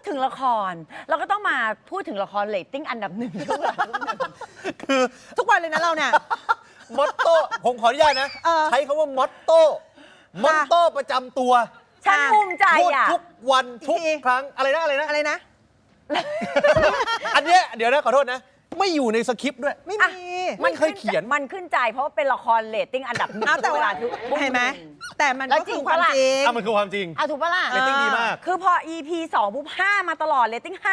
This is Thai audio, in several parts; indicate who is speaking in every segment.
Speaker 1: ดถึงละครเราก็ต้องมาพูดถึงละครเรตติ้งอันดับหนึ่งทุกวัน
Speaker 2: คือ
Speaker 3: ทุกวันเลยนะเราเนี่ย
Speaker 2: มอตโต้ผมขออนุญาตนะ ใช้คำว่ามอตโต้ประจำตัว
Speaker 1: ฉันภูมิใจ
Speaker 2: พูด
Speaker 1: อ่ะ
Speaker 2: ทุกวันทุก
Speaker 3: ที
Speaker 2: ครั้งอะไรนะ
Speaker 3: อะไรนะ
Speaker 2: อันเนี้ยเดี๋ยวนะขอโทษนะ ไม่อยู่ในสคริปต์ด้วย
Speaker 3: ไม่
Speaker 1: อ่ะ
Speaker 3: มี
Speaker 2: ไม่เคยเขียน
Speaker 1: มันขึ้นใจเพราะว่าเป็นละครเรตติ้งอันดับหนึ่ง
Speaker 3: เอาแต่
Speaker 1: เว
Speaker 3: ว่า
Speaker 1: ลาทุก
Speaker 3: เห็นไหมแต่มัน
Speaker 1: แล้ว
Speaker 3: ก็
Speaker 1: จริ
Speaker 3: คื
Speaker 1: ง
Speaker 3: อความ
Speaker 1: ปะล่ะ
Speaker 3: จริง
Speaker 2: มันคือความจริง
Speaker 1: เอาถูกปะล่ะ
Speaker 2: เรตติ้งดีมาก
Speaker 1: คือพอ EP 2ปุ๊บ5มาตลอดเรตติ้ง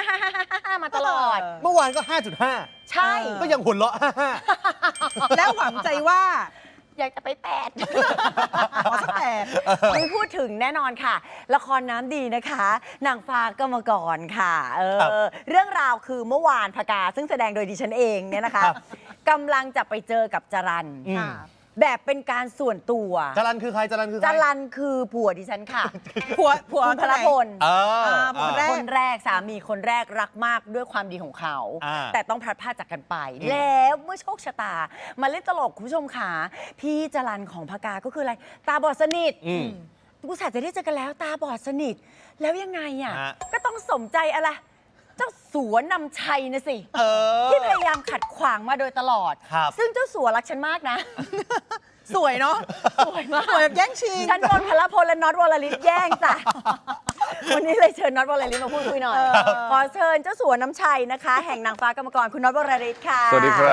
Speaker 1: 5มาตลอด
Speaker 2: เมื่อวานก็ 5.5
Speaker 1: ใช่
Speaker 2: ก็ยังหัวเราะ
Speaker 3: แล้วหวังใจว่า
Speaker 1: อยากจะไป8
Speaker 3: ขอสักแปด
Speaker 1: ไม่พูดถึงแน่นอนค่ะ ละครน้ำดีนะคะนางฟ้ากมกรค่ะเรื่องราวคือเมื่อวานพกาซึ่งแสดงโดยดิฉันเองเนี่ยนะคะกำลังจะไปเจอกับจรัน
Speaker 2: อืม
Speaker 1: แบบเป็นการส่วนตัว
Speaker 2: จรันคือใครจรันคือใค
Speaker 1: จ
Speaker 2: ร
Speaker 1: รันคือผัวดิฉันค่ะ
Speaker 3: ผัว
Speaker 1: คุณพลพล
Speaker 3: ผัวแรก
Speaker 1: คนแรกสามีคนแรกรักมากด้วยความดีของเขา
Speaker 2: อ่า
Speaker 1: แต่ต้องพลัดพรากจากกันไป แล้วเมื่อโชคชะตา มาเล่นตลกคุณผู้ชมขาพี่จรันของพกาก็คืออะไร ตาบอดสนิท กูสาจะได้เจอกันแล้วตาบอดสนิท แล้วยังไงอ่ะ
Speaker 2: ฮะ
Speaker 1: ก็ต้องสมใจอะไร เจ้าสัวนำชัยนะสิ
Speaker 2: เออ
Speaker 1: ที่พยายามขัดขวางมาโดยตลอด
Speaker 2: ครับ
Speaker 1: ซึ่งเจ้าสัวรักฉันมากนะ
Speaker 3: สวยเนาะ
Speaker 1: สวยมาก
Speaker 3: สวยแบบแย่งชิง
Speaker 1: ฉันโดนพลพลและน็อตวรลิตแย่งจ้ะ วันนี้เลยเชิญน็อตวรลิตมาพูดคุยหน่อย ขอเชิญเจ้าสัวน้ำชัยนะคะ แห่งนางฟ้ากรรมกรคุณน็อตวรลิตค่ะ
Speaker 4: สวัสดีครับ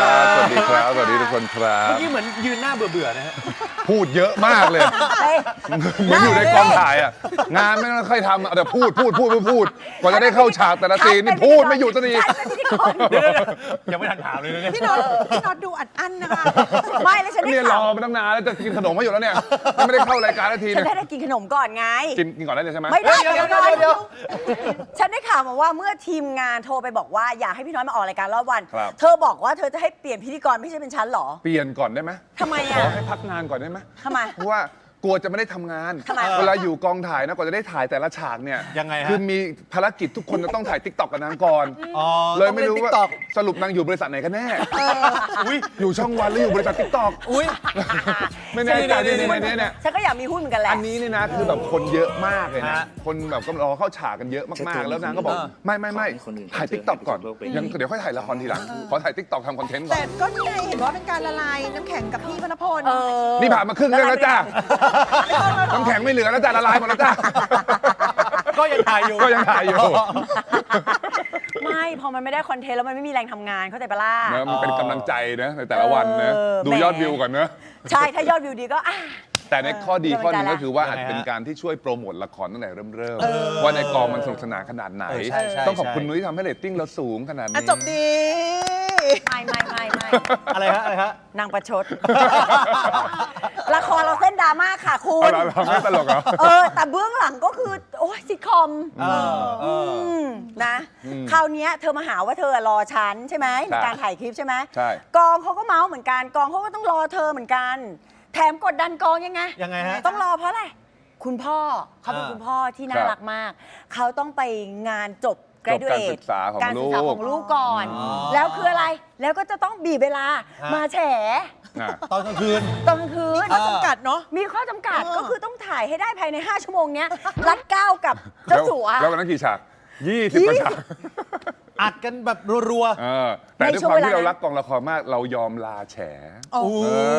Speaker 4: สวัสดีครับ สวัสดีทุกคนครั
Speaker 2: เมื่อบ กี้เหมือนยืนหน้าเบื่อๆนะฮะ
Speaker 4: พูดเยอะมากเลย
Speaker 1: เฮ้ย
Speaker 4: เหมือนอยู่ในกองถ่ายอ่ะ งานไม่ต้องค่อยทำอะแต่พูดกว่าจะได้เข้าฉากแต่ละซีนนี่พูดไม่หยุดสักที
Speaker 1: ฉันเป็นพิธีกร
Speaker 2: เดี๋ยวยังไม่ทันถามเลยนะเนี่ย
Speaker 3: พี่น็อตดูอัดอั้นนะคะ
Speaker 1: ไม่แล้วฉันได้
Speaker 4: เนี่ยร
Speaker 1: ข่า
Speaker 4: อ
Speaker 1: ว
Speaker 4: มาตั้งนานแล้วจะกินขนมไม่หยุดแล้วเนี่ยยังไม่ได้เข้ารายการนาที
Speaker 1: ฉัน
Speaker 4: เนี่ย
Speaker 1: ได้กินขนมก่อนไง
Speaker 4: กินก่อนได้เลยใช่ไหม
Speaker 1: ไม่ได้
Speaker 2: เดี๋ยว
Speaker 1: ก่อน
Speaker 2: เดี๋ยว
Speaker 1: ฉันได้ข่าวมาว่าเมื่อทีมงานโทรไปบอกว่าอยากให้พี่น้อยมาออกรายการรอบวัน
Speaker 4: ครับ
Speaker 1: เธอบอกว่าเธอจะให้เปลี่ยนพิธีกรไม่ใช่เป็นฉันเหรอ
Speaker 4: เปลี่ยนก่อนได้ไหม
Speaker 1: ทำไม
Speaker 4: ข
Speaker 1: อ่ะ
Speaker 4: อให้พักงานก่อนได้ไหม
Speaker 1: ทำไม
Speaker 4: เพราะว่ากลัวจะไม่ได้ทำงาน
Speaker 1: ทำไม
Speaker 4: เวลาอยู่กองถ่ายนะกว่าจะได้ถ่ายแต่ละฉากเนี่ย
Speaker 2: ยังไงฮะ
Speaker 4: คือมีภารกิจทุกคนจะต้องถ่ายติ๊กต็อกกับนางก่อน
Speaker 2: อ๋อ
Speaker 4: เลยไม่รู้
Speaker 2: ติ๊
Speaker 4: ว่าก
Speaker 2: ต็อก
Speaker 4: สรุปนางอยู่บริษัทไหนกันแน่
Speaker 2: อุ้ย
Speaker 4: อยู่ช่องวันหรืออยู่บริษัทติ๊กต็อก
Speaker 2: อุ้ย
Speaker 4: ไม่แน่ใจ
Speaker 2: นี่
Speaker 4: เนี่ย
Speaker 1: ฉันก็อยากมีหุ้นเหมือนกันแหละ
Speaker 4: อันนี้นี่นะคือแบบคนเยอะมากเลยนะ
Speaker 2: ฮะ
Speaker 4: คนแบบก็รอเข้าฉากกันเยอะมากๆ แล้วนางก็บอก
Speaker 2: เออ
Speaker 4: ไม่ถ่ายติ๊กต็อกก่อนยังเดี๋ยวค่อยถ่ายละครทีหลังขอถ่ายติ๊กต็อกทำคอนเทนต์ก่อ
Speaker 3: แต่
Speaker 4: น
Speaker 3: ก็นี่ไงเห็นว่าเป็นการละลายน้ำแข็งกับพี่พลพล
Speaker 4: นี่ผ่านมาครึ่งเรื่องแล้วจ้าน้ำแข็งไม่เหลือแล้วจ้าละลายหมดแล้วจ้า
Speaker 2: ก็ยังถ่ายอยู่
Speaker 4: ก็ยังถ่ายอยู่
Speaker 1: ไม่พอมันไม่ได้คอนเทนต์แล้วมันไม่มีแรงทำงานเข้าใจปะล่ะ
Speaker 4: นะมันเป็นกำลังใจนะในแต่ละวันนะ ดูยอดวิวก่อนนะ
Speaker 1: ใช่ถ้ายอดวิวดีก็
Speaker 4: แต่ในข้อดีข้อหนึงก็คือว่า
Speaker 2: ยังไง
Speaker 4: อาจ
Speaker 2: ฮะ
Speaker 4: เป็นการที่ช่วยโปรโมทละครตั้งแต่เริ่มว่าในกองมันสนุกสนานขนาดไหน
Speaker 2: ใช่
Speaker 4: ต้องขอบคุณนุ้ยที่ทำให้เรตติ้งเราสูงขนาด
Speaker 3: อ่ะ
Speaker 4: นี้
Speaker 3: จบดี
Speaker 1: ไม่
Speaker 2: อะไรฮะ
Speaker 1: นางประชด ละครเราเส้นดราม่าค่ะคุ
Speaker 4: เอา
Speaker 1: ณ
Speaker 4: เราไม่ตลกเหรอ
Speaker 1: แต่เบื้องหลังก็คือ โอ้ยซิทคอม นะคราวเนี้ยเธอมาหาว่าเธอรอฉันใช่ไหมในการถ่ายคลิปใช่ไหม
Speaker 4: ใช่
Speaker 1: กองเขาก็เมาส์เหมือนกันกองเขาก็ต้องรอเธอเหมือนกัน แถมกดดันกองยังไง
Speaker 2: ยังไงฮะ
Speaker 1: ต้องรอเพราะอะไรคุณพ่อเขาเป็นคุณพ่อที่น่ารักมาก เขาต้องไปงานจบ
Speaker 4: จบการศึกษาของ
Speaker 1: การศึ
Speaker 4: ลู
Speaker 1: ก
Speaker 4: ก
Speaker 1: ษาของลูกก่อน
Speaker 2: อ๋อ
Speaker 1: แล้วคืออะไร แล้วก็จะต้องบีบเวลา
Speaker 2: ฮะ
Speaker 1: มาแฉ
Speaker 4: อ่ะ
Speaker 2: ตอนกลางคืน
Speaker 1: ตอนกลางคืน
Speaker 3: ข้อจำกัดเนาะ
Speaker 1: มีข้อจำกัด
Speaker 3: เออ
Speaker 1: ก็คือต้องถ่ายให้ได้ภายใน 5 ชั่วโมงเนี้ย รัดเก้ากับเจ้าสัว
Speaker 4: แล้ววันนั้นกี่ฉาก 20 กว่าฉาก
Speaker 2: อัดกันแบบรัว
Speaker 4: เออแต่
Speaker 1: ใน
Speaker 4: ด้วย
Speaker 1: ช่ว
Speaker 4: ค
Speaker 1: ง
Speaker 4: วามที่
Speaker 1: เวลา
Speaker 4: เรารักกองละครมาก เรายอมลาแฉ
Speaker 2: ๆ โอ้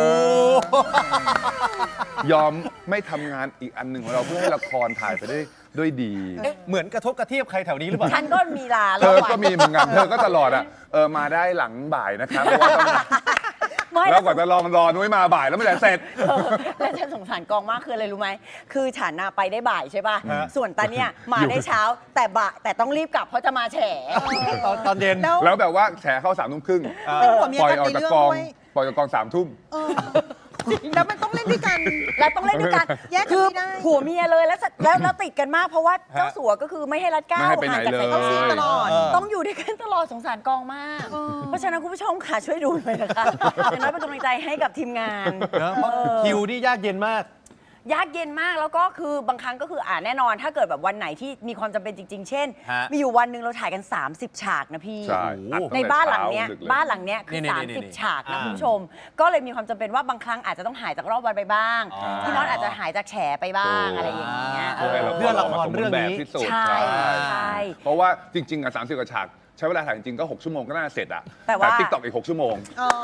Speaker 4: ยอมไม่ทำงานอีกอันหนึ่งของเราเพื่อให้ละครถ่ายไปได้ด้วยดี
Speaker 2: เอ๊ะเหมือนกระทบกระเทียบใครแถวนี้หรือเปล่า
Speaker 1: ฉันก็มีลา
Speaker 4: เธอก็มีเหมือนกันเธอก็ตลอดอ่ะมาได้หลังบ่ายนะครับเพราะว่าต้อง
Speaker 1: ไม่
Speaker 4: แล้วกว่าจะรอนุ้ยมาบ่ายแล้วไม่ได้เสร็จ
Speaker 1: แล้วฉันสงสารกองมากคืออะไรรู้ไหมคือฉันน่ะไปได้บ่ายใช่ป่ะ
Speaker 2: ฮะ
Speaker 1: ส่วนตาเนี่ยมาได้เช้าแต่ต้องรีบกลับเพราะจะมาแฉ
Speaker 2: ตอนเย็น
Speaker 3: แล้ว
Speaker 4: แล้วแบบว่าแฉเข้า3 ทุ่มครึ่ง
Speaker 3: เป็นผัวเมีย
Speaker 4: ปล่อย
Speaker 3: กัน
Speaker 4: ออก
Speaker 3: ใน
Speaker 4: จาก
Speaker 3: เรื่อง
Speaker 4: กอง
Speaker 3: ด้วย
Speaker 4: ปล่อยจากกอง3 ทุ่ม
Speaker 3: เออแล้วมันต้องเล่นด้วยกัน
Speaker 1: แล้วต้องเล่นด้วยกัน
Speaker 3: แยกกัน
Speaker 1: คือ
Speaker 3: ไม่ได้
Speaker 1: ผัวเมียเลยแล้วติดกันมากเพราะว่าเจ้าสัวก็คือไม่ให้รัดเก้า
Speaker 4: ไม่ให้ไปไหน
Speaker 1: ห่างจาก
Speaker 4: เลย
Speaker 1: สายตา
Speaker 3: ตลอด
Speaker 1: ต้องอยู่ด้วยกันตลอดสงสารกองมาก เพราะฉะนั้นคุณผู้ชมค่ะช่วยดูหน่อยนะคะอย่างน้อยเป็นกำลังใจให้กับทีมงาน
Speaker 2: นะเพราะคิวนี่ยากเย็นมาก
Speaker 1: ยากเย็นมากแล้วก็คือบางครั้งก็คือแน่นอน ถ้าเกิดแบบวันไหนที่มีความจำเป็นจริง ๆ เช่น
Speaker 2: ฮะ
Speaker 1: มีอยู่วันหนึ่งเราถ่ายกัน 30 ฉากนะพี่
Speaker 4: ใช่
Speaker 2: โอ้โห
Speaker 4: อัดตั้ง
Speaker 1: ใน
Speaker 4: แต่
Speaker 1: บ้านหลังเนี้ย
Speaker 4: ช้ดึกเลย
Speaker 1: บ้านหลังเนี้ยคือ
Speaker 2: นี่
Speaker 1: 30 ฉากนะ
Speaker 2: อ่า
Speaker 1: คุณผู้ชม ก็เลยมีความจำเป็นว่าบางครั้งอาจจะต้องหายจากรอบวันไปบ้าง
Speaker 2: อ๋อ
Speaker 1: พี่น็อตอาจจะหายจากแฉไปบ้างอะไรอย่างเงี้ย
Speaker 4: เพื่อให้เรา
Speaker 2: เพื่อละคร
Speaker 4: สมบู
Speaker 2: เรื่อง
Speaker 4: แบบ
Speaker 2: นี้
Speaker 4: ที่สุด
Speaker 1: ใช่ใช่
Speaker 4: ะว่าจริงๆอ่ะ30 กว่าฉากใช้เวลาถ่ายจริงๆก็6 ชั่วโมงก็น่าเสร็จอ่ะ
Speaker 1: แต่ว่า
Speaker 4: ติ๊กต็อกอีก6 ชั่วโมง
Speaker 3: อ๋อ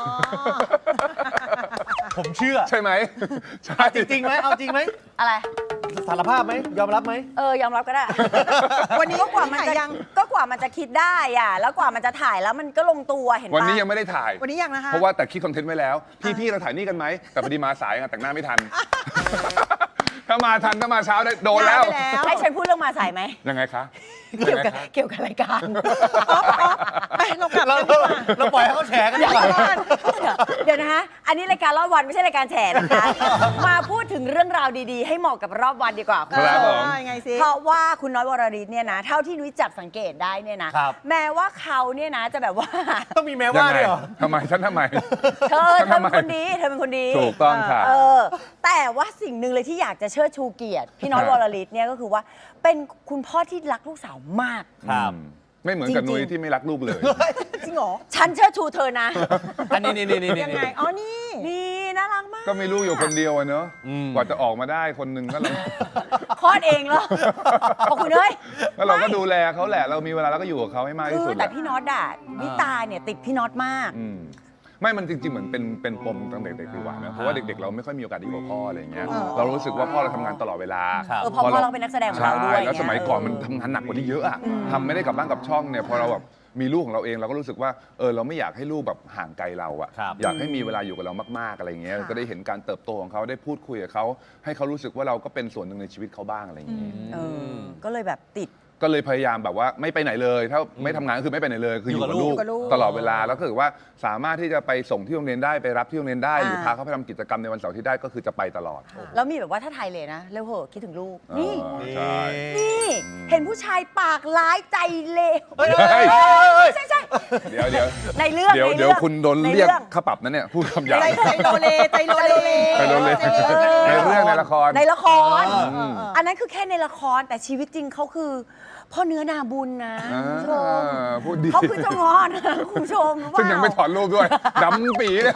Speaker 2: ผมเชื่อ
Speaker 4: ใช่ไหมใช่
Speaker 2: จริงไหมเอาจริงไหม
Speaker 1: อะไร
Speaker 2: สารภาพไหมยอมรับไหม
Speaker 1: ยอมรับก็ได้
Speaker 3: วันนี้
Speaker 1: ก็กว่ามัน
Speaker 3: ถ่าย
Speaker 1: จะ
Speaker 3: ยัง
Speaker 1: ก็กว่ามันจะคิดได้อ่ะแล้วกว่ามันจะถ่ายแล้วมันก็ลงตัวเห็นปะ
Speaker 4: วันนี้ยังไม่ได้ถ่าย
Speaker 3: วันนี้ยังนะคะ
Speaker 4: เพราะว่าแต่คิดคอนเทนต์ไว้แล้ว พี่เราถ่ายนี่กันไหมแต่พอดีมาสายแต่งหน้าไม่ทัน ถ้ามาทันถ้ามาเช้าได้โดนแล้ว
Speaker 3: ย้ายไปแล้ว
Speaker 1: ให้ฉันพูดเรื่องมาสายไหม
Speaker 4: ยังไงคะ
Speaker 1: เกี่ยวกับเกี่ยวกับรายการ
Speaker 3: ไปเรากลับ
Speaker 2: เรา
Speaker 3: กันดีกว่า
Speaker 2: เราปล่อยให้เขาแฉกันดีกว่า
Speaker 1: เดี๋ยวนะคะอันนี้รายการรอบวันไม่ใช่รายการแฉนะคะ มาพูดถึงเรื่องราวดีๆ ให้เหมาะกับรอบวันดีกว่าคุณ
Speaker 4: ครับ
Speaker 1: ผู้ช
Speaker 4: ผม ม
Speaker 3: ยังไงสิ
Speaker 1: เพราะว่าคุณน้อยวรริศเนี่ยนะเท่าที่นุ้ยจับสังเกตได้เนี่ยนะครับ แม้ว่าเขาเนี่ยนะจะแบบว่า
Speaker 2: ต้องมีแม้
Speaker 4: ยั
Speaker 2: ว่าง
Speaker 4: ไง
Speaker 2: ด้วยเหรอ
Speaker 4: ทำไมฉันทำไม
Speaker 1: เธอ
Speaker 4: ทำไม
Speaker 1: เป็นคนดีเธอเป็นคนดี
Speaker 4: ถูกต้องค่ะ
Speaker 1: แต่ว่าสิ่งหนึ่งเลยที่อยากจะเชิดชูเกียรติพี่น้อยวรริศเนี่ยก็คือว่าเป็นคุณพ่อที่รักลูกสาวมาก
Speaker 2: ครับ
Speaker 4: ไม่เหมือนกับ
Speaker 1: จริงๆ
Speaker 4: นุ้ยที่ไม่รักลูกเลย
Speaker 3: จริงเหรอ
Speaker 1: ฉันเชิดชูเธอนะ
Speaker 2: อันนี้นี่
Speaker 3: ยังไง อ๋อ นี่
Speaker 1: นี่น่ารักมาก
Speaker 4: ก็มีลูกอยู่คนเดียวอะเนอะ
Speaker 2: อืม
Speaker 4: กว่าจะออกมาได้คนหนึ่งก็เรา
Speaker 1: คลอดเองเหรอบอกคุณเอ้ย
Speaker 4: แล้วเราก็ดูแลเขาแหละ เรามีเวลาเราก็อยู่กับเขาให้มากที่
Speaker 1: คื
Speaker 4: สุ
Speaker 1: อ
Speaker 4: ด
Speaker 1: แต่
Speaker 4: แหละ
Speaker 1: พี่น็อตอะวิตาเนี่ยติดพี่น็อตมาก
Speaker 4: อืมไม่มันจริงๆเหมือนเป็นปมตั้งแต่เด็กๆดีกว่านะเพราะว่าเด็กๆเราไม่ค่อยมีโอกาสได้อยู่กับพ่ออะไรอย่างเงี้ย เรารู้สึกว่าพ่อเราทำงานตลอดเวลา
Speaker 2: ครับ
Speaker 1: พอพ่อเราเป็นนักแสดงของเราด้วย
Speaker 4: ใช่แล้วสมัยก่อน
Speaker 1: เ
Speaker 4: มันทำงานหนักกว่านี้เยอะอะทำไม่ได้กลับบ้านกลับช่องเนี่ยพอเราแบบมีลูกของเราเองเราก็รู้สึกว่าเราไม่อยากให้ลูกแบบห่างไกลเราอะ
Speaker 2: ครับ
Speaker 4: อยากให้มีเวลาอยู่กับเรามากๆอะไรอย่างเงี้ย
Speaker 3: ค่ะ
Speaker 4: ก็ได้เห็นการเติบโตของเขาได้พูดคุยกับเขาให้เขารู้สึกว่าเราก็เป็นส่วนหนึ่งในชีวิตเขาบ้างอะไรอย่างเงี้ย
Speaker 1: เออก็เลยแบบติด
Speaker 4: ก็เลยพยายามแบบว่าไม่ไปไหนเลย ถ้าไม่ทำงานก็คือไม่ไปไหนเลย คืออยู่กับ
Speaker 2: อยู่
Speaker 4: ลู
Speaker 2: กับ
Speaker 4: ก
Speaker 2: ลูก
Speaker 4: ตลอดเวลาแล้วก็คือว่าสามารถที่จะไปส่งที่โรงเรียนได้ไปรับที่โรงเรียนได้ หรือพาเขาไปทำกิจกรรมในวันเสาร์ที่ได้ก็คือจะไปตลอด
Speaker 1: แล้วมีแบบว่าถ้าไทยเลยนะเร็วเหอะคิดถึงลูก นี่
Speaker 4: ใช่
Speaker 1: นี่เห็นผู้ชายปากร้ายใจเลว
Speaker 2: เฮ้ย
Speaker 1: ใช่ใช่
Speaker 4: เดี๋ยว
Speaker 1: ในเรื่อง
Speaker 4: เดี๋ยว
Speaker 1: ใน
Speaker 4: เดี๋ยวคุณโดน
Speaker 1: ใน
Speaker 4: เรียก
Speaker 1: อง
Speaker 4: ค่าปรับนะเนี่ยพูดคำหยาบ
Speaker 3: ใจโลเลใจโลเล
Speaker 4: ใจโลเล
Speaker 3: ใจโลเล
Speaker 4: ในเรื่องในละคร
Speaker 1: ในละคร
Speaker 3: อืม
Speaker 1: อันนั้นคือแค่ในละครแต่ชีวิตจริงเขาคือพ่อเนื้อนาบุญนะคุณผู้ชม
Speaker 4: พูดดี
Speaker 1: เขาคือเจ้างอนนะคุณผู้ชมรู้เปล่า
Speaker 4: ซึ่งยังไม่ถอดรูปด้วยดำปีเนี่ย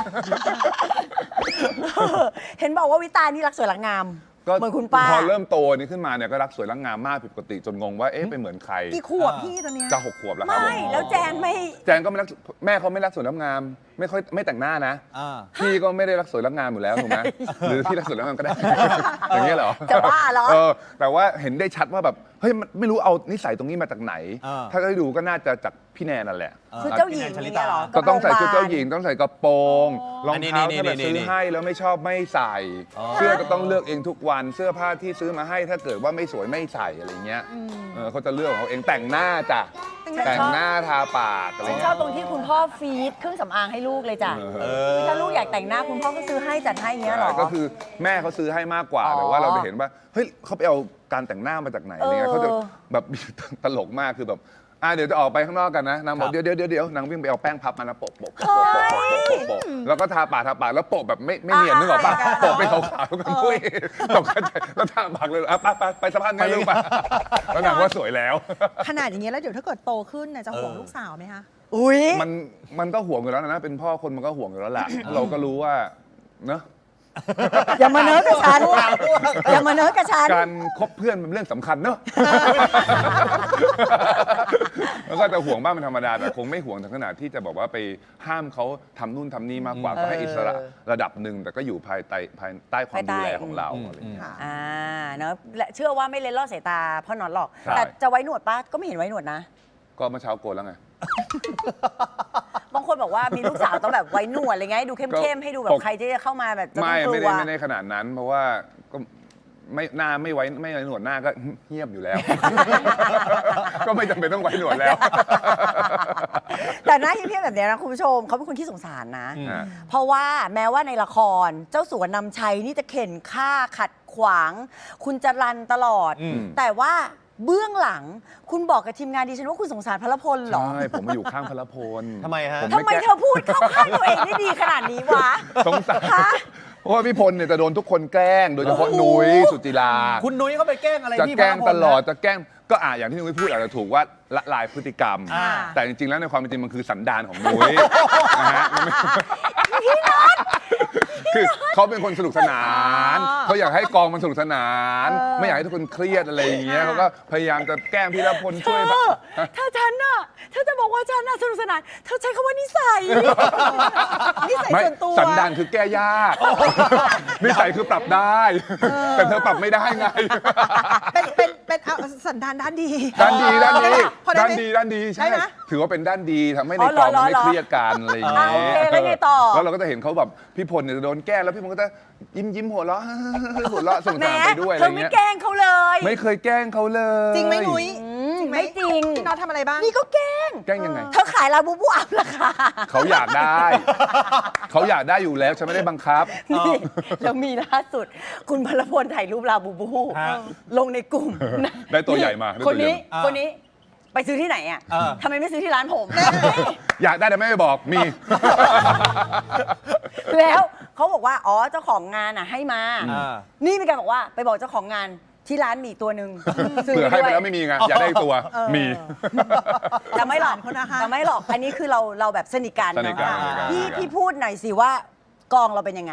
Speaker 1: เห็นบอกว่าวิตานี่รักสวยรักงาม
Speaker 4: ก็
Speaker 1: เหมือนคุณป้า
Speaker 4: พอเริ่มโตนี่ขึ้นมาเนี่ยก็รักสวยรักงามมากผิดปกติจนงงว่าเอ๊ะไปเหมือนใคร
Speaker 3: กี่ขวบพี่ตอนเนี้ย
Speaker 4: จะ6 ขวบแล้วครับ
Speaker 1: ไม่
Speaker 4: ผม
Speaker 1: แล้วแจนไม่
Speaker 4: แจงก็ไม่รักแม่เขาไม่รักสวยรักงาม ไม่แต่งหน้านะ
Speaker 2: อ่า
Speaker 4: พี่ก็ไม่ได้รักสวยรักงามอยู่แล้วถูกไหมหรือพี่รักสวยรักงามก็ได้ อย่างเงี้ยเหรอ
Speaker 1: จะบ้าเหรอ
Speaker 4: แต่ว่าเห็นได้ชัดว่าแบบเฮ้ยมันไม่รู้เอานิสัยตรงนี้มาจากไหน ถ้าได้ดูก็น่าจะจากพี่แนนนั่นแหละ
Speaker 1: ชุดเจ้าหญิงอย่างเงี้ยเหรอ
Speaker 4: ก็ต้องใส่ชุดเจ้าหญิงต้องใส่กระโปรงรอง
Speaker 2: อันนี้
Speaker 4: เท้า
Speaker 2: นี่
Speaker 4: ถ้าแบบ
Speaker 2: นี่
Speaker 4: ซื้อ
Speaker 2: นี่
Speaker 4: ให้แล้วไม่ชอบไม่ใส่
Speaker 2: อ๋อ
Speaker 4: เสื้อก็ต้องเลือกเองทุกวันเสื้อผ้าที่ซื้อมาให้ถ้าเกิดว่าไม่สวยไม่ใส่อะไรเงี้ยเขาจะเลือกของเขาเองแต่งหน้าจ้ะแต่งหน้าทาปากอะไร
Speaker 1: ฉันช
Speaker 4: เงี้
Speaker 1: อย บตรงที่คุณพ่อฟีดเครื่องสำอางให้ลูกเลยจ้ะ
Speaker 4: เออ
Speaker 1: ถ้าลูกอยากแต่งหน้าคุณพ่อก็ซื้อให้จัดให้อย่างเงี้ยเหรอ
Speaker 4: ก็คือแม่เขาซื้อให้มากกว่า
Speaker 1: อ๋อ
Speaker 4: แต่ว่าเราจะเห็นว่าเฮ้ยเขาไปเอาการแต่งหน้ามาจากไหนอะไรเงี้ย
Speaker 1: เออ
Speaker 4: เขาจะแบบ ตลกมากคือแบบเดี๋ยวจะออกไปข้างนอกกันนะนางบอกเดี๋ยวนางวิ่งไปเอาแป้งพับมานะโปะแล้วก็ทาปากแล้วโปะแบบไม่เนียนนึกออกปะโปะไปขาวๆกันปุ้ยตกใจแล้วทาปากเลยไปสะพานกันลูกไปแล้วนางว่าสวยแล้ว
Speaker 3: ขนาดอย่างเงี้ยแล้วเดี๋ยวถ้าเกิดโตขึ้นน่ะจะห่วงลูกสาวไหมคะ
Speaker 1: อุ้ย
Speaker 4: มันก็ห่วงอยู่แล้วนะเป็นพ่อคนมันก็ห่วงอยู่แล้วแหละเราก็รู้ว่าเนอะ
Speaker 1: อย่ามาเนิร์ดกับฉันอย่ามาเนิร์ดกับฉัน
Speaker 4: การคบเพื่อนเป็นเรื่องสำคัญเนอะ แล้วก็จะห่วงบ้างเป็นธรรมดาแต่คงไม่ห่วงถึงขนาดที่จะบอกว่าไปห้ามเขาทำนู่นทำนี่มากกว่าก็ให้อิสระระดับหนึ่งแต่ก็อยู่ภายใต้ความดูแลของเราอะไรอย่างเงี้ย
Speaker 1: เนอะและเชื่อว่าไม่เล็นลอดสายตาพ่อน็อตหรอก
Speaker 4: ใช่
Speaker 1: แต่จะไว้หนวดป้าก็ไม่เห็นไว้หนวดนะ
Speaker 4: ก็เมื่อเช้าโกนแล้วไง
Speaker 1: บางคนบอกว่ามีลูกสาวต้องแบบไว้หนวดอะไรเงี้ยให้ดูเข้มๆให้ดูแบบใครที่จะเข้ามาแบบจะต้องกลัว
Speaker 4: ไม่ได้ขนาดนั้น เพราะว่าก็ไม่หน้าไม่ไว้หนวดหน้าก็เงียบอยู่แล้ว ก็ไม่จำเป็นต้องไว้หนวดแล้ว
Speaker 1: แต่หน้าเพี้ยนๆแบบเนี้ยนะคุณผู้ชมเขาเป็นคนที่สงสารนะ เพราะว่าแม้ว่าในละครเจ้าสัวนำชัยนี่จะเข็นฆ่าขัดขวาง คุณจรันตลอด แต่ว่าเบื้องหลังคุณบอกกับทีมงานดิฉันว่าคุณสงสารพลพลเหรอ
Speaker 4: ใช่ผมมาอยู่ข้างพลพล
Speaker 2: ทำไมฮะ
Speaker 4: ผ
Speaker 1: ทำไมเธอพูดเข้าข้างตัวเองได้ดีขนาดนี้วะ
Speaker 4: สงสารเพราะว่าพี่พลเนี่ยจะโดนทุกคนแกล้ง โดยเฉพาะนุ้ยสุจิรา
Speaker 2: คุณนุ้ยเขาไปแกล้งอะไร
Speaker 4: จะ
Speaker 2: พี่
Speaker 4: แกล้ง
Speaker 2: พ
Speaker 4: ต
Speaker 2: ล
Speaker 4: ลอด
Speaker 2: นะ
Speaker 4: จะแกล้งก็อย่างที่นุ้ยพูดอาจจะถูกว่าละลายพฤติกรรม
Speaker 2: อ่า
Speaker 4: แต่จริงๆแล้วในความเป็นจริงมันคือสันดานของนุ้ยนะฮะคือเขาเป็นคนสนุกสนาน
Speaker 3: อ๋อ
Speaker 4: เขาอยากให้กองมันสนุกสนาน
Speaker 1: เออ
Speaker 4: ไม่อยากให้ทุกคนเครียดอะไรอย่างเงี้ยเขาก็พยายามจะแกล้งพี่ละพลช่วยแบบ
Speaker 1: ถ้าฉันน่ะถ้าจะบอกว่าฉันน่ะสนุกสนานเธอใช้คำว่านิสัย
Speaker 3: นิสัย
Speaker 4: ไม่
Speaker 3: ส่วนตัว
Speaker 4: สันดานคือแก้ยากนิสัยคือปรับได้ แต่เธอปรับไม่ได้ไง
Speaker 3: เป็นเอาสันดานด้านดี
Speaker 4: ด้านดีด้านดี
Speaker 3: พอได้
Speaker 4: ด้าน
Speaker 3: ไหม
Speaker 4: ดีด้านดีใช่
Speaker 3: ได้นะ
Speaker 4: ถือว่าเป็นด้านดีทำให้ใน
Speaker 1: อ๋อก
Speaker 4: องมันไม่
Speaker 1: เหรอ
Speaker 4: เครียดกันอะไรอย่างเงี้ย
Speaker 1: โอเคแล้วไงต่อ
Speaker 4: แล้วเราก็จะเห็นเขาแบบพี่พลเนี่ยจะโดนแกล้งแล้วพี่พลก็จะยิ้มหัวเราะ หัวเราะสนุก
Speaker 1: แหม
Speaker 4: สนานไปด้วยอะ
Speaker 1: เธ
Speaker 4: ไร
Speaker 1: อไม่
Speaker 4: เงี้ย
Speaker 1: แกล้งเขาเลย
Speaker 4: ไม่เคยแกล้งเขาเลย
Speaker 3: จริงไหมนุ้ย
Speaker 1: ม
Speaker 3: จริงไหม
Speaker 1: ไม่จริง
Speaker 3: พี่น็อตทำอะไรบ้าง
Speaker 1: นี่ก็แกล้ง
Speaker 4: แกล้งยังไง
Speaker 1: เธอขายลาบูบูอัพราคา
Speaker 4: เขาอยากได้ เขาอยากได้อยู่แล้วฉันไม่ได้บังคับ
Speaker 1: นี่แล้วมีล่าสุด คุณพลพลถ่ายรูปลาบูบู
Speaker 2: ฮะ
Speaker 1: ลงในกลุ่ม
Speaker 4: ได้ตัวใหญ่มาได้
Speaker 1: ค
Speaker 4: ตัวน ใหญ่
Speaker 1: นี้
Speaker 2: มา
Speaker 1: คนนี้ไปซื้อที่ไหนอ่ะ
Speaker 2: เออ
Speaker 1: ทำไมไม่ซื้อที่ร้านผม
Speaker 4: อยากได้แต่ไม่ไปบอกมี
Speaker 1: แล้วเขาบอกว่าอ๋อเจ้าของงานอ่ะให้มา
Speaker 2: อ่า
Speaker 1: นี่มีการบอกว่าไปบอกเจ้าของงานที่ร้านมีอีกตัวหนึ่งซื้อ
Speaker 4: เผื่อให้ไป
Speaker 1: ด้วย
Speaker 4: แล้วไม่มีไงอยากได้อีกตัวมี
Speaker 1: แต่ไม่หรอก
Speaker 3: เขานะคะ
Speaker 1: แต่ไม่หรอกอันนี้คือเราแบบสนิทกัน
Speaker 4: สนิทกัน
Speaker 1: เนอะ
Speaker 4: สนิทกัน
Speaker 1: พี่พูดหน่อยสิว่ากองเราเป็นยังไง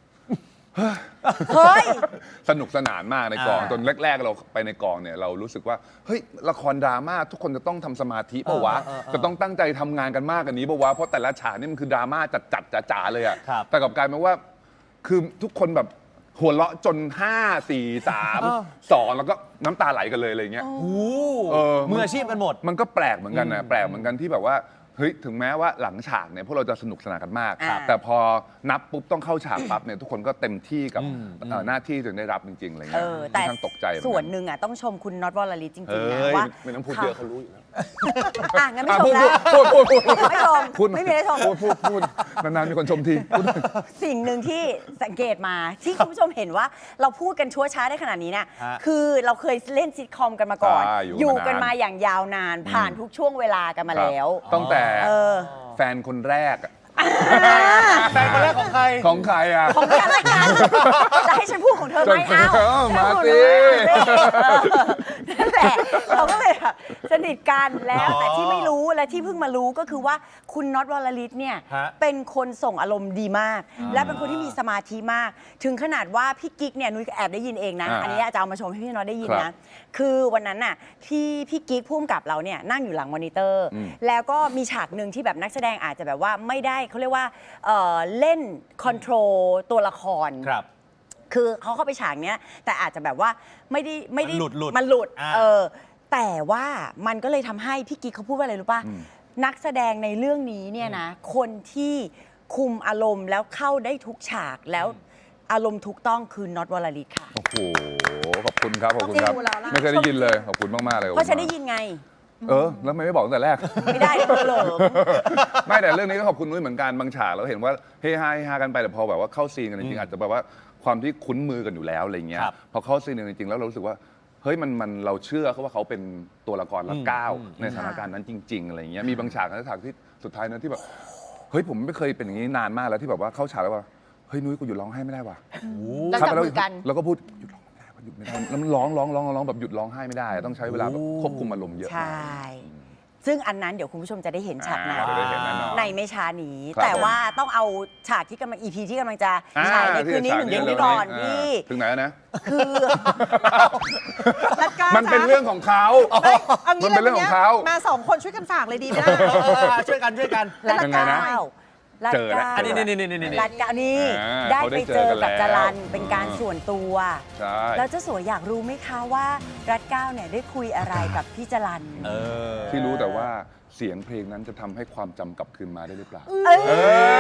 Speaker 1: เฮ้ย
Speaker 4: สนุกสนานมากในกอง
Speaker 2: อ่า
Speaker 4: จนแรกๆเราไปในกองเนี่ยเรารู้สึกว่าเฮ้ยละครดราม่าทุกคนจะต้องทำสมาธิปะวะ จะต้องตั้งใจทำงานกันมากกว่านี้ปะวะเพราะแต่ละฉากนี่มันคือดราม่าจัดๆจ๋าๆเลยอะ
Speaker 2: ครับ
Speaker 4: แต่กลับกลายเป็นว่าคือทุกคนแบบหัวเราะจน 5 4 3 2 แล้วก็น้ำตาไหลกันเลยอะไรอย่างเงี้ย
Speaker 2: โอ้โห
Speaker 4: เออ
Speaker 2: มืออาชีพกันหมด
Speaker 4: มันก็แปลกเหมือนกันนะแปลกเหมือนกันที่แบบว่าเฮ้ยถึงแม้ว่าหลังฉากเนี่ยพวกเราจะสนุกสนานกันมาก
Speaker 1: ครับ
Speaker 4: แต่พอนับปุ๊บต้องเข้าฉากปั๊บเนี่ยทุกคนก็เต็มที่กับ
Speaker 2: อืม
Speaker 4: หน้าที่ถึงได้รับจริงๆอะไร
Speaker 1: เอ
Speaker 4: เงี้ย
Speaker 1: อแต่
Speaker 4: ค่อนข้างตกใจเหมือกั
Speaker 1: ส่วนหนึ่งอ่ะต้องชมคุณน็อตวรลิตจริง
Speaker 4: เฮ้
Speaker 1: ๆนะ
Speaker 4: ย
Speaker 1: ว่า
Speaker 4: ไม่ต้องพูดเยอะเขารู้อยู่แล้ว
Speaker 1: อ่ะงั้นไม่
Speaker 4: อ่ะ
Speaker 1: ชม
Speaker 4: พูด
Speaker 1: แล้ว
Speaker 4: พูด
Speaker 1: ไม่ชม
Speaker 4: พูด
Speaker 1: ไม่มีอะไรชม
Speaker 4: พูดนานๆมีคนชมทีพูด
Speaker 1: สิ่งหนึ่งที่สังเกตมาที่คุณผู้ชมเห็นว่าเราพูดกันชั่วช้าได้ขนาดนี้เนี่ย
Speaker 2: ฮะ
Speaker 1: คือเราเคยเล่นซิทคอมกันมาก่อน
Speaker 4: ใช่
Speaker 1: อ
Speaker 4: อยู่
Speaker 1: ยู่
Speaker 4: กัน
Speaker 1: กัน
Speaker 4: มานาน
Speaker 1: มาอย่างยาวนาน ผ่านทุกช่วงเวลากันมาแล้ว
Speaker 4: ตั้งแต่
Speaker 1: เออ
Speaker 4: แฟนคนแรกอะ
Speaker 2: แฟนคนแรกของใคร
Speaker 4: ของใครอ่ะ
Speaker 1: ของกันและกันจะให้ฉันพูดของเธอไหม
Speaker 4: จน
Speaker 1: เอ้า
Speaker 4: มาสิ
Speaker 1: นั่นแหละเราก็เลยแบบสนิทกันแล้ว
Speaker 2: อ๋อ
Speaker 1: แต่ที่ไม่รู้และที่เพิ่งมารู้ก็คือว่าคุณน็อตวรลิตเนี่ย
Speaker 2: ฮะ
Speaker 1: เป็นคนส่งอารมณ์ดีมาก และเป็นคนที่มีสมาธิมาก ถึงขนาดว่าพี่กิ๊กเนี่ยนุ้ยแอบได้ยินเองนะ อันนี้จะเอามาชมให้พี่น็อตได้ยิน
Speaker 4: ครั
Speaker 1: นะ
Speaker 4: บ
Speaker 1: คือวันนั้นน่ะพี่กิ๊กพุ่มกับเราเนี่ยนั่งอยู่หลังมอนิเตอร์
Speaker 4: อืม
Speaker 1: แล้วก็มีฉากหนึ่งที่แบบนักแสดงอาจจะแบบว่าไม่ได้เขาเรียกว่าเล่นคอนโทรลตัวละคร
Speaker 2: ครับ
Speaker 1: คือเขาเข้าไปฉากเนี้ยแต่อาจจะแบบว่าไม่ได้
Speaker 2: มันหลุด
Speaker 1: มันหลุด
Speaker 2: อ่า
Speaker 1: แต่ว่ามันก็เลยทำให้พี่กิ๊กเขาพูดว่าอะไรรู้ป่ะ
Speaker 4: อืม
Speaker 1: นักแสดงในเรื่องนี้เนี่ยนะคนที่คุมอารมณ์แล้วเข้าได้ทุกฉากแล้วอารมณ์ถูกต้องคือน็อตวรลิตค่ะ
Speaker 4: โอ้โหขอบคุณครับขอบคุณครับ
Speaker 3: ต้องดูแล้วล่ะ
Speaker 4: ไม่เคยได้ยินเลยขอบคุณมากๆเลย
Speaker 1: เพราะฉันได้ยินไง
Speaker 4: แล้วทำไมไม่บอกตั้งแต่แรก
Speaker 1: ไม่ได้เบอร์เหลิม
Speaker 4: ไม่แต่เรื่องนี้ก็ขอบคุณนุ้ยเหมือนกันบางฉากเราเห็นว่าเฮฮาเฮฮากันไปแต่พอแบบว่าเข้าซีนกันจริงๆอาจจะแบบว่าความที่คุ้นมือกันอยู่แล้วอะไรเงี้ย
Speaker 2: ครับ
Speaker 4: พอเข้าซีนกันจริงๆแล้วเรารู้สึกว่าเฮ้ยมันเราเชื่อเขาว่าเขาเป็นตัวละครละก้าวในสถานการณ์นั้นจริง ๆอะไรเงี้ยมีบางฉากนะฉากที่สุดท้ายนะที่แบบเฮ้ยผมไม่เคยเป็นอย่างนี้นานมากแล้วที่แบบว่าเข้าฉากแล้วว่าเฮ้ยนุ้ยกูหยุดร้องไห้ไม่ได้ว่ะ
Speaker 1: แล้วจับมือกัน
Speaker 4: แล้วก็พูดหยุดร้องไม่ได้ว่ะหยุดไม่ได้แล้วมันร้องแบบหยุดร้องไห้ไม่ได้ต้องใช้เวลาแบบควบคุมอารมณ์เยอะ
Speaker 1: ใช่ ซึ่งอันนั้นเดี๋ยวคุณผู้ชมจะได้เห็นฉากนั้น
Speaker 4: จะได้เห็นแน่นอน
Speaker 1: ในไม่ช้านี้
Speaker 4: ครับ
Speaker 1: แต่ว่าต้องเอาฉากที่กำลัง EP ที่กำลังจะ
Speaker 4: อ่า
Speaker 1: ฉายในคืนนี้หนึ่งเดือนนี้ก่อน
Speaker 4: อ่า
Speaker 1: พี่
Speaker 4: ถึงไหนแล้วนะ
Speaker 1: คือ
Speaker 3: รัดกล้า
Speaker 4: มันเป็น
Speaker 3: จ๊ะ
Speaker 4: เรื่องของเขา
Speaker 3: ไม่เอางี้
Speaker 4: มันเป็นเรื่องของเขา
Speaker 3: มาสองคนช่วยกันฝากเลยดีไหมล่ะ
Speaker 2: ช่วยกัน
Speaker 1: รัด
Speaker 4: ยังไง
Speaker 1: เก้า
Speaker 4: นะ
Speaker 1: รัด
Speaker 4: เจอแล้ว
Speaker 1: เก้า
Speaker 2: อันนี้นี่
Speaker 1: รัดเก้านี่
Speaker 4: อ่า
Speaker 1: ได้
Speaker 4: เขาได้
Speaker 1: ไปเจอกับ
Speaker 4: เจอกัน
Speaker 1: จรัน
Speaker 4: แล้ว
Speaker 1: เป็นการส่วนตัว
Speaker 4: ใช่
Speaker 1: แล้วเจ้าสัวอยากรู้ไหมคะว่ารัดเก้าเนี่ยได้คุยอะไรกับพี่จรัน
Speaker 2: เออ
Speaker 4: ที่รู้แต่ว่าเสียงเพลงนั้นจะทำให้ความจำกลับคืนมาได้หรือเปล่า
Speaker 1: เอ้ย
Speaker 4: เอ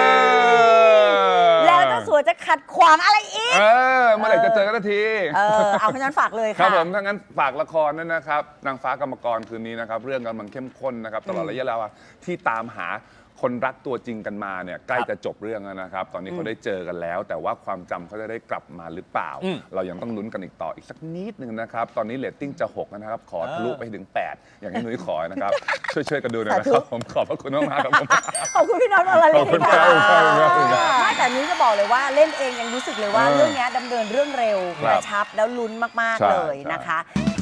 Speaker 4: อ
Speaker 1: แล้วเจ้าสัวจะขัดขวางอะไรอีก
Speaker 4: เมื่อไหร่จะเจอกันสักที
Speaker 1: เอาเพราะฉะนั้นฝากเลย
Speaker 4: ครับ
Speaker 1: ค่ะ
Speaker 4: ผมถ้างั้นฝากละครนั่นนะครับนางฟ้ากรรมกรคืนนี้นะครับเรื่องกำลังเข้มข้นนะครับตลอดระยะเวลาที่ตามหาคนรักตัวจริงกันมาเนี่ยใกล้จะจบเรื่องแล้วนะครับ ตอนนี้เขาได้เจอกันแล้ว แต่ว่าความจำเขาจะได้กลับมาหรือเปล่า เรายังต้องลุ้นกันอีกต่ออีกสักนิดนึงนะครับตอนนี้เรตติ้งจะ6นะครับขอทะลุไปถึง 8 อย่างที่นุ้ยขอนะครับ ช่วยกันดูหน่อยนะครับผมขอบพระคุณมากๆครับผม
Speaker 1: ขอบคุณพี่น้องวรลิ
Speaker 4: ขอบคุณ
Speaker 1: ต
Speaker 4: ครั
Speaker 1: ค่ะ
Speaker 4: บขอบคุณครับ
Speaker 1: ไม่แต่นี้จะบอกเลยว่าเล่นเองยังรู้สึกเลยว่า
Speaker 4: เออ
Speaker 1: เรื่องนี้ดำเนินเรื่องเร็ว
Speaker 4: ครับ
Speaker 1: กระชับแล้วลุ้นมาก
Speaker 4: ใช่
Speaker 1: ๆเลย
Speaker 4: ใช่
Speaker 1: นะคะ